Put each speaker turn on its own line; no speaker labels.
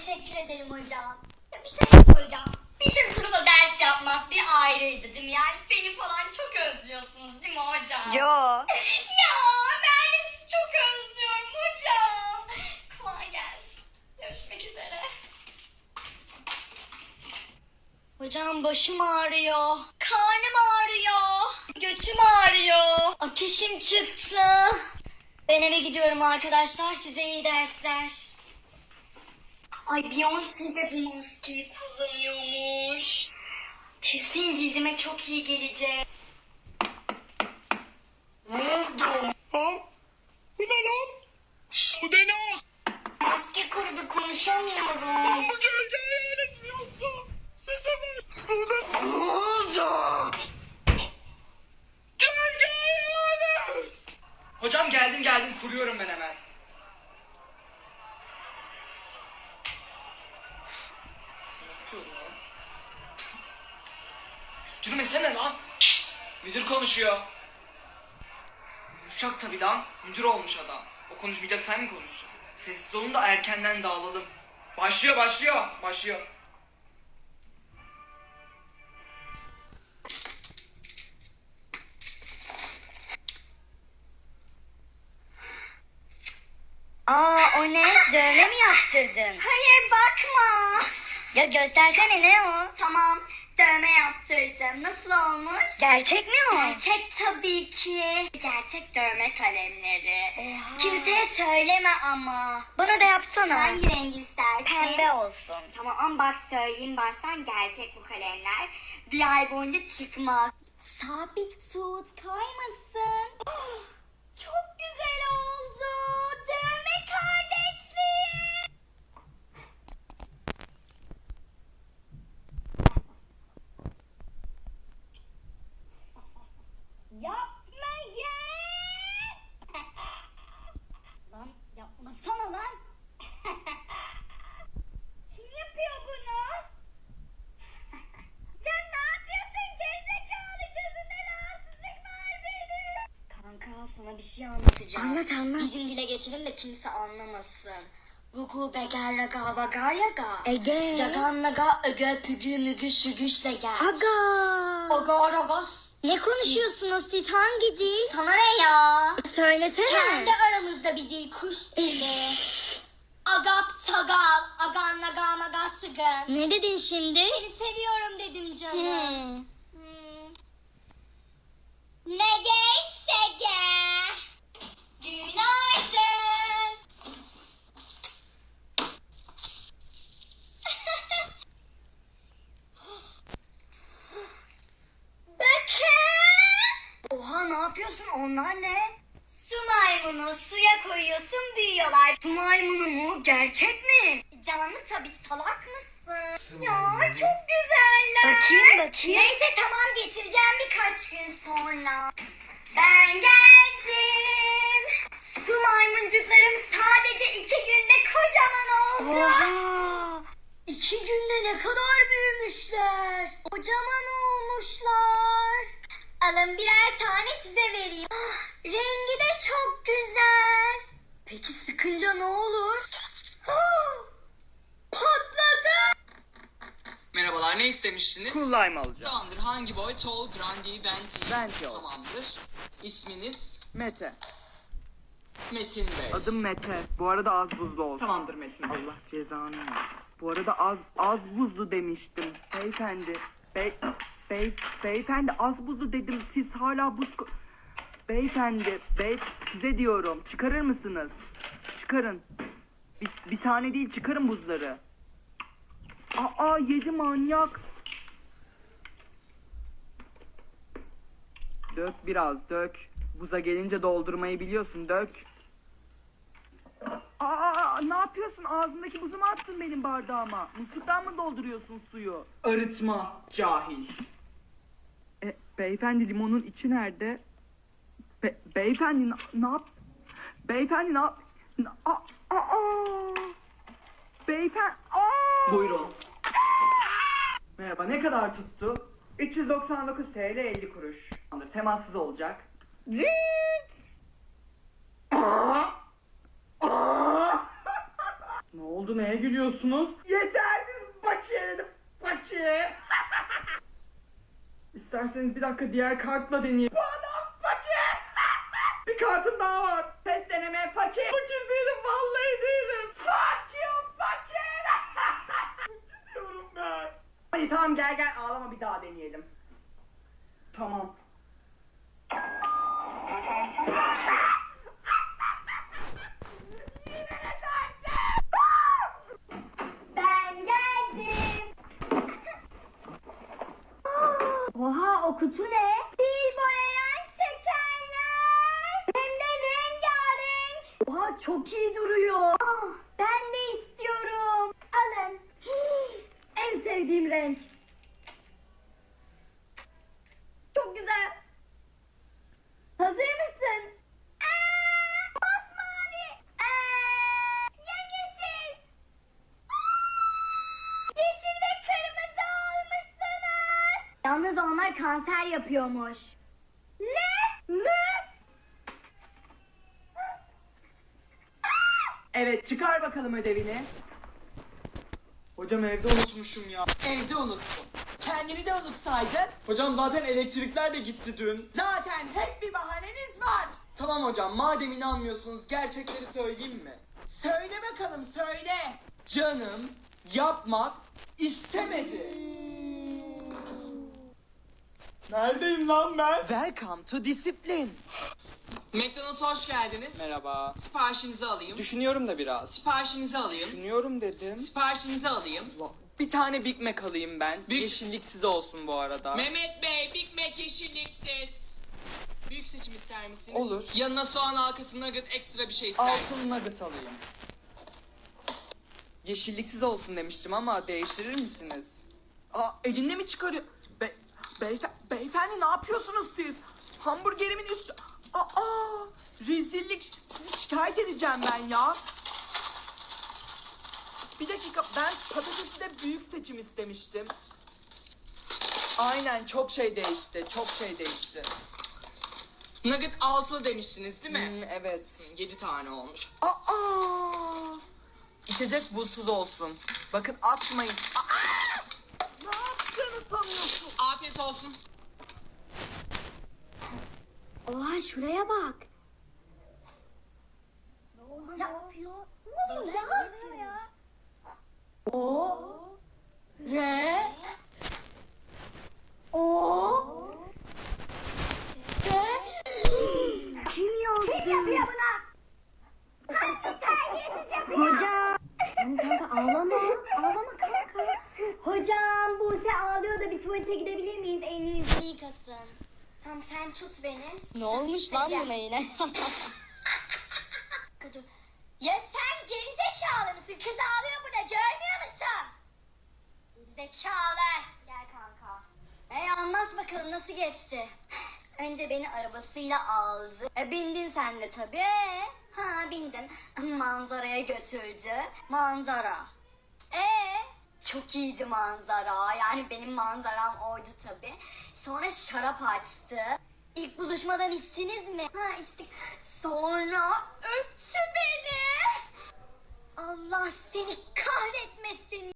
Teşekkür ederim hocam. Ya bir şey soracağım. Bizim sınıfta ders yapmak bir ayrıydı değil mi? Yani beni falan çok özlüyorsunuz değil mi hocam?
Yo.
Ya ben de sizi çok özlüyorum hocam. Kolay gelsin. Görüşmek üzere. Hocam başım ağrıyor. Karnım ağrıyor. Götüm ağrıyor. Ateşim çıktı. Ben eve gidiyorum arkadaşlar. Size iyi dersler. Ay Beyoncé de bu maskeyi kullanıyormuş. Kesin cildime çok iyi gelecek. Ne oldu?
Ha? Bu ne lan? Bu ne lan?
Maske kurudu konuşamıyorum.
Bu gölge hayalet mi yoksa? Size mi? Sude.
Ne oldu?
Gölge hayalet.
Hocam geldim kuruyorum ben hemen. Yürümesene lan. Şşt! Müdür konuşuyor. Konuşacak tabii lan. Müdür olmuş adam. O konuşmayacak, sen mi konuşacaksın? Sessiz olun da erkenden dağılalım. Başlıyor.
Aa, o ne? Dövme mi yaptırdın?
Hayır bakma.
Ya göstersene, ne o?
Tamam dövme yaptırdım. Nasıl olmuş?
Gerçek mi o?
Gerçek tabii ki. Gerçek dövme kalemleri.
Oha.
Kimseye söyleme ama.
Bana da yapsana.
Hangi renk istersin?
Pembe olsun.
Tamam ama bak söyleyeyim baştan, gerçek bu kalemler. Bir ay boyunca çıkmaz. Sabit tut, kaymasın. Oh, çok güzel oldu. Dövme kardeşliği. Yapma ya. Lan yapmasana lan. Kim yapıyor bunu? Ya ne yapıyorsun gerizekalı, gözünde rahatsızlık var benim. Kanka sana bir şey anlatacağım.
Anlat.
Bizim dile geçelim de kimse anlamasın. Rugu beger raga vagar yaga.
Ege.
Cagan naga öge pügü mügü şügüşle gel.
Aga.
Oga ragos.
Ne konuşuyorsunuz siz, hangi dil?
Sana ne ya?
Söylesene.
Kendi aramızda bir dil, kuş dili. Agap tagal, agan naga maga sıgın.
Ne dedin şimdi?
Seni seviyorum dedim canım.
Hmm.
Ne geçse gel. Günaydın. Bakın. Oha ne yapıyorsun, onlar ne? Su maymunu, suya koyuyorsun büyüyorlar. Su maymunu mu? Gerçek mi? Canlı tabii, salak mısın? Ya çok güzeller.
Bakayım.
Neyse tamam, getireceğim birkaç gün sonra. Ben geldim. Su maymuncuklarım sadece 2 günde kocaman oldu.
Oha.
2 günde ne kadar büyümüşler. Kocaman olmuşlar. Alın birer tane size vereyim. Ah, rengi de çok güzel. Peki sıkınca ne olur? Ah, patladı.
Merhabalar, ne istemiştiniz?
Cool lime alacağım.
Tamamdır. Hangi boy? Tall, grandi, venti?
Venti olsun.
Tamamdır. İsminiz?
Mete.
Metin Bey.
Adım Mete. Bu arada az buzlu olsun.
Tamamdır Metin Bey.
Allah cezanı ver. Bu arada az buzlu demiştim. Beyefendi. Beyefendi az buzlu dedim. Siz hala Beyefendi. Size diyorum. Çıkarır mısınız? Çıkarın. Bir tane değil, çıkarın buzları. Aa, yedi manyak. Dök biraz, dök. Buza gelince doldurmayı biliyorsun, dök. Aa, ne yapıyorsun? Ağzındaki buzu mu attın benim bardağıma? Musluktan mı dolduruyorsun suyu?
Arıtma, cahil.
Beyefendi, limonun içi nerede? Beyefendi ne yap? Beyefendi ne yap? Beyefendi.
Buyurun.
Merhaba, ne kadar tuttu? 399 TL 50 kuruş. Temassız olacak. Ne oldu, neye gülüyorsun? istiyorsunuz? Yetersiz bakiye dedim. Bakiye. İsterseniz bir dakika diğer kartla deneyelim. Bana fakir. Bir kartım daha var. Test deneme fakir. Fakir değilim, vallahi değilim. Fuck you fakir. Diyorum ben. Hadi tamam, gel ağlama, bir daha deneyelim. Tamam.
Ben geldim. Oha, o kutu ne? Dil boyayan şekerler. Hem de rengarenk. Oha, çok iyi duruyor. Ben de istiyorum. Alın. En sevdiğim renk. Çok güzel. Hazır mısın? Masmavi. Yemyeşil. Yeşil ve kırmızı olmuşsunuz. Yalnız onlar kanser yapıyormuş. Ne?
Evet, çıkar bakalım ödevini. Hocam evde unutmuşum ya.
Evde unuttum. Kendini de unutsaydın.
Hocam zaten elektrikler de gitti dün.
Zaten hep bir bahaneniz var.
Tamam hocam, madem inanmıyorsunuz gerçekleri söyleyeyim mi?
Söyle bakalım, söyle.
Canım yapmak istemedi. Neredeyim lan ben?
Welcome to Discipline.
McDonald's'a hoş geldiniz.
Merhaba.
Siparişinizi alayım.
Düşünüyorum da biraz.
Siparişinizi alayım.
Düşünüyorum dedim.
Siparişinizi alayım.
Bir tane Big Mac alayım ben.
Büyük-
Yeşilliksiz olsun bu arada.
Mehmet Bey, Big Mac yeşilliksiz. Büyük seçim ister misiniz?
Olur.
Yanına soğan halkası nugget ekstra bir şey ister misiniz?
Altın nugget alayım. Yeşilliksiz olsun demiştim ama değiştirir misiniz?
Aa, elinde mi çıkarıyor? Beyefendi ne yapıyorsunuz siz? Hamburgerimin üstü... Aa, rezillik. Sizi şikayet edeceğim ben ya. Bir dakika, ben patatesi de büyük seçim istemiştim.
Aynen, çok şey değişti. Çok şey değişti.
Nugget altılı demiştiniz değil mi?
Evet.
7 tane olmuş.
Aa,
İçecek buzsuz olsun. Bakın atmayın.
ne yaptığını sanıyorsun?
Afiyet olsun.
Oha, şuraya bak. Ne yapıyor? Ne oluyor? Ne yapıyor ya?
Re.
Kim yazdı? Kim yapıyor buna? Hangi terbiyesiz yapıyor? Hocam. Tamam kanka, ağlama. Ağlama kanka. Hocam, Buse ağlıyor da bir tuvalete gidebilir miyiz? Elini yüzünü yıkasın. Tamam, sen tut beni.
Ne olmuş lan buna yine?
Dur. Ya sen gerizekalı mısın? Kız ağlıyor burada, görmüyor musun? Zekalı. Gel kanka. Anlat bakalım, nasıl geçti? Önce beni arabasıyla aldı. Bindin sen de tabii. Ha, bindim. Manzaraya götürdü. Manzara. Çok iyiydi manzara. Yani benim manzaram oydu tabii. Sonra şarap açtı. İlk buluşmadan içtiniz mi? Ha, içtik. Sonra öptü beni. Allah seni kahretmesin.